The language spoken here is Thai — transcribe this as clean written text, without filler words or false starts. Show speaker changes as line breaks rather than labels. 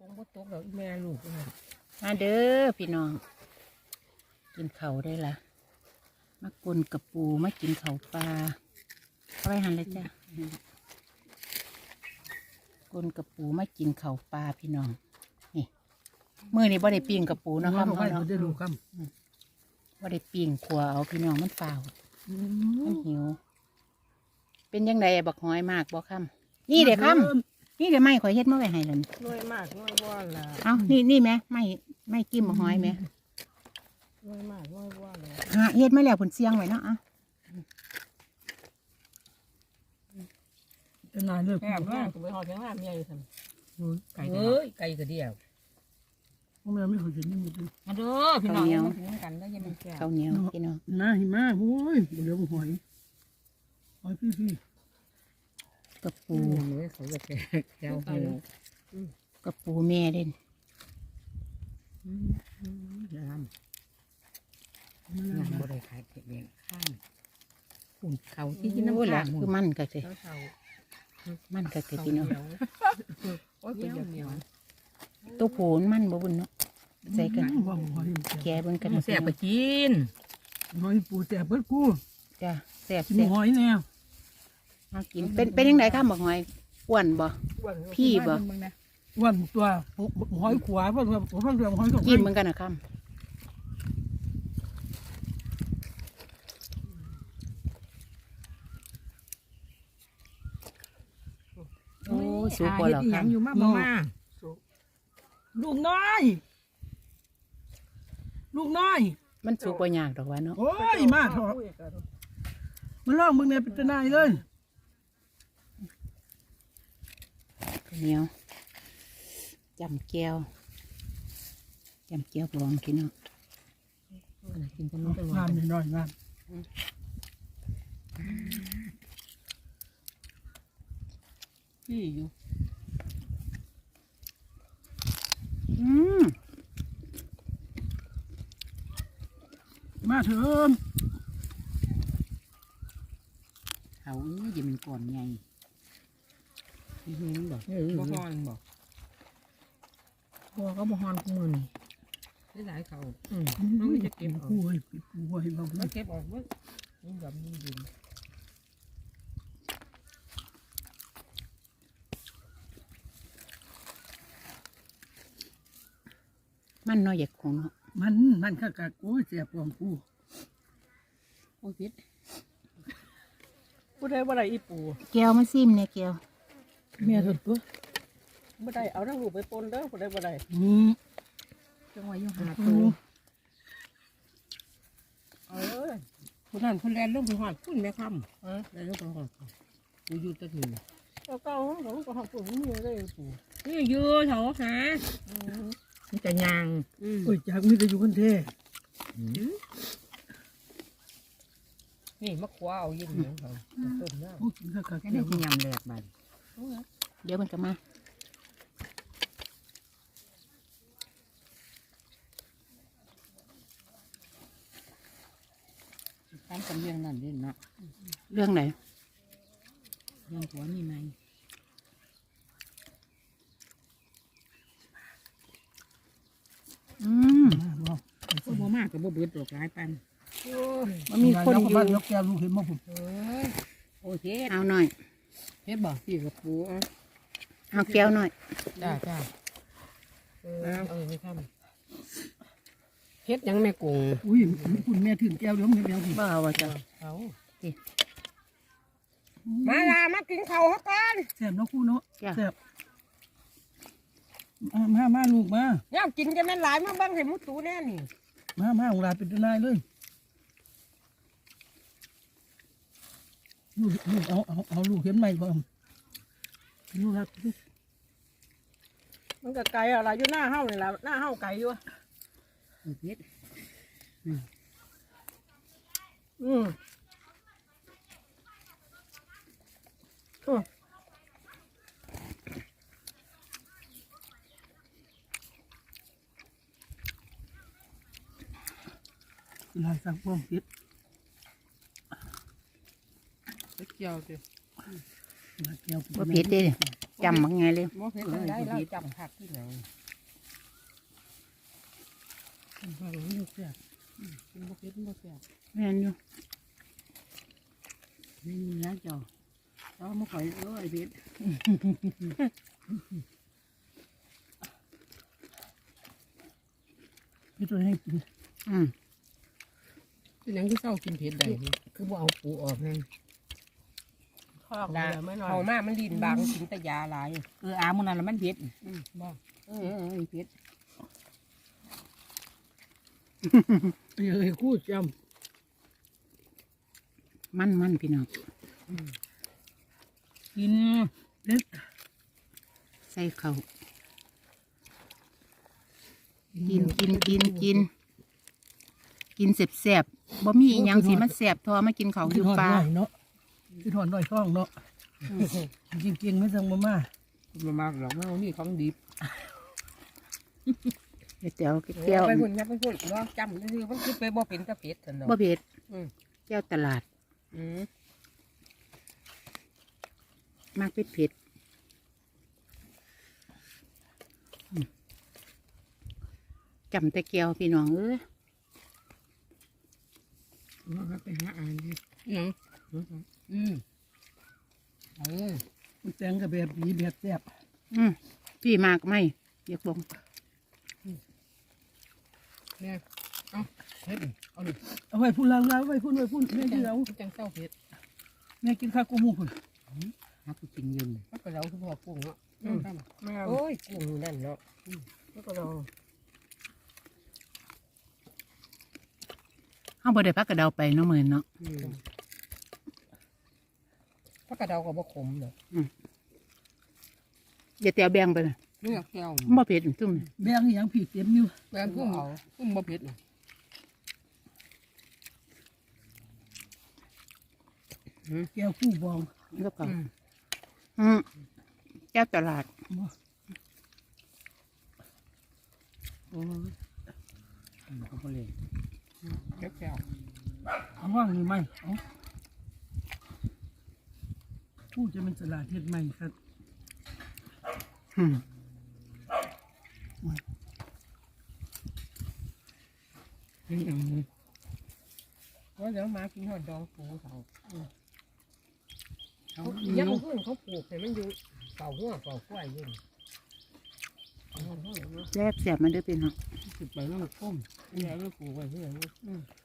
งบ่ตกแล้วแม่ลูก
มาเด้อพี่น้องกินเขาได้ละมากลกับปูมากินเขาปลาเอาไปหันเลยจ้ะกลกับปูมากินเขาปลาพี่น้องนี่มื้อนี้บ่ได้ปิ้งกับปูเนาะครับเนาะ
ได้ดูครับ
บ่ได้ปิ้งขัวเอาพี่น้องมันเปล่ามันหิวเป็นยังไงบักหอยมากบ่ค่ำนี่เด็กค่ำนี่เดี๋ยวไม่ข่อยเฮ็ดมาไว้ให้แล้วนี่
น้อยมากน้อยว่านล่ะ
เอานี่ไหมไม่กิ้มบักหอยไหม
น้อยมากน้อยว่านเลย
หาเฮ็ดมาแล้วผลเสียงไว้เนาะอ่ะ
จะนายเลิก
แม่แม่ก็ไปหอดแข้งหน้าเมียอยู่ซั่นไก่
เอ้ย
ไก่ก็เดียว
พวกแม่ไม่เคยเห็นนี่มัน
มาเด้อพี่น้องมาถึงกันแล้วยังเป็นแก้ว
ข้าวเหนียวพี่น้อง
น่าหิมะโอ้ยเดี๋ยวหอยพี่
กับ
ปู
ปู
เลยเขาจะแก้วหู
กับปูแม่เด่น
น้ำบ่ได้ขายเก็บเองข้างขุ่นเขาที่กินน้ำ
โอ้ย
ข้า
ละ
ง
คือมันกะสิ
เท่า
มันกะสิพี่น้อง
โอ้ยเป็นอย่างเดียว
ตัวผูนมันบ่บุญเนาะใส่กัน
ว่าหอย
แกเบิ่งกัน
แซ่บไปกิน
หอยปูแต่เบิดกู
จ้ะแซ่บ
กิน
แซ่บ
หอยแนว
เอากินเป็นยังไงข้ามบักหอยอ้วนบ่ พี่บ่
วันตัวหอยขวาเพราะว่าเพราะว่าหอยสอง
กินเหมือนกันนะข้ามโอ้ยสูงกว่าเหรอครับ
อยู่มามา
ลูกน้อยลูกน้อย
มันสูงกว่ายากดอกว่าเนาะ
โอ้ยมาเถอะมาลองมึงเนี่ยเป็นนายเลย
ข้าวเหนียวจำแก้วบองพี่น้อง
กินกันนู้นกัน
งานนิดหน่อยงาน
พี่อยู่
ม
มาเถอะ
เขานี่จะเป็นก่อนใหญ่
เห็นบอกบ่ฮอนบอกพอก็บ่ฮอนกูมือนี่ได้หลายเขาน้องจะเก็บออก
กูเฮ้ยกูเฮ้ยเรา
มันเก็บออกเมื่อนี่แบบนี้ดิน
มันน้อยอยากคงเนาะ
มันข้ากะโอ้ยเสียบของกู
โอ้พิษผู้ใดบ่ได้อีปู
แก้วมาซิมเนี่ยแก้ว
เมียสุดตัว
บ่ได้เอาทั้งลูกไปปนเด้อผู้ใดบ่ได้
จังหวะอยู่หา
ตัวผู้นั้นผู้แลนลงไปหอดพุ่นแม่คำแลนลงไปหอดกูอยู่ตะถึงเก่าของก็หอดพุ่นมีเลยปูนี่อยู่เถอะฮะมันจะยาง
โอ้ยจากมีแต่อยู่คนเท่
นี่มะขวาเอายิ่งเหนียวเขาต้มน้ำ
โอ้กินข้ากะ
แค่นี้จะยำแหลกบัดเดี๋ยวมันก็มา
ตามกันเรื่องนั่นเรื่องนะ
เรื่องไหน
เรื่องหัวนี่ไหม
บอก
พวกบ่มากกับบ่เบิดดอกหลายปัน
มันมีคนอยู่
บ้านยกแก้วลูกเห็นมั้งผม
โอเค
เอาหน่อย
เฮ็ดบ่พี่กับปู
เอาแก้วหน่อย
จ้าเอาไปทำเฮ็ดยังแม่กุ้ง
อุ้ยคุณแม่ถึงแก้วเดี๋ยวมันแก้วสิ
บ่เอาว่าจ้ะ
เอามาลามากินข้าวกัน
แซ่บเนาะคู่เนาะแซ่บมาลูกมา
ย่ากินจะแม่นหลายมาบ้างให้มุตูแน่นี่
มาของลาเป็นนายเลยลูกเอาลูกเห็นไหมบ่ลูกรัก
มันก็ไก่อะไรอยู่หน้าเฮานี่ล่ะหน้าเฮาไก่อยู่
เฮ็ด
ลายสั่งพ่อเฮ็ด
เกี่ยวสิ
ลายแก้ว
บ่เผ็ดเด้
โอ้
จำมักไงเลย
บ่เผ็ดได้เราจำผักที่ไหนมันบ่รู้เสียมันบ่เผ็ดบ่เสีย
แม่นอยู่
นี่นะเจ้าเอามาข่อยไอ้เผ็ด
พี่ตัวให้กิน
เป็นหยังคือเศร้ากินเผ็ดได้คือบ่เอาปูออกนั่นข้าวเขามามันดินบางกินแต่ยาหลาย
อามันนั่นละมันเผ็ด
บ่เผ็ด
เอ้ยคู่จ
มันพี่น้อง
ำกินเด็ด
ใส่ข้าวกินแซ่บๆบ่มีอีหยังสิมันแซ่บทอมากินข้าวอยู่ป่า
เนาะคือถอนหน่อยท้องเนาะจริงๆไม่ต้องมา
มามากหรอกเอานี่ของดิบ
แก้วแก้ว
ไปพุ่นไปพุ่นเนาะจำคือมันคือไปบ่เป็นตะเผ็ดซั่นเนาะ
บ่เผ็ด
อืม
แก้วตลาด
อืม
มากเผ็ดจำแต่แก้วพี่น้องเอ้ย
ว่าไปหาอ่านดิหยัง
มันแต่งกับแบบดีแบบแซ่บ
พี่มากไหมเรียกบอก
เนี่ยเอาเผ็ดเอาดิ
เอาไว้พุ่นล้างไว้พุ่นแม่กินเอา
จังเศร้าเผ็ด
แม่กินข้าวกุ้งหมูพุ่น
ฮักกูกินยืนมันก็เราคือพอกุ้งเนาะโอ้ยกุ้งนั่นเนาะแล้วก็เรา
เฮาบ่ได้พักกระเดาไปเนาะมื้อเนาะ
พักกระเดาก็บ่ขมเนาะ
อย่าแต้วแบ่งไปเลย
เลือกแก้ว
บ่เผ็ดจุ่ม
แบงอย่างผีเต็มอยู่
แบนกุ้งเอากุ้งบ่เผ็ดน่ะ
แก้วคู่บอง
แล้วก็แก้วตลาด
โอ้ยเขาบ่เลยแก้ว
เอาว่างนี่ไหมเอาพูดจะเป็นสลัดเฮ็ดใหม่ครับ
ว่าเดี๋ยวมากินหอดดองปูเขายังขึ้นเขาปลูกแต่มันอยู่เป่าหัวเป่ากล้วยอยู่
แซ่บมันเด้อพี่น้อง
สิไปแล้วมันก้มนี่แล้วปลูกไว้ที่ไหน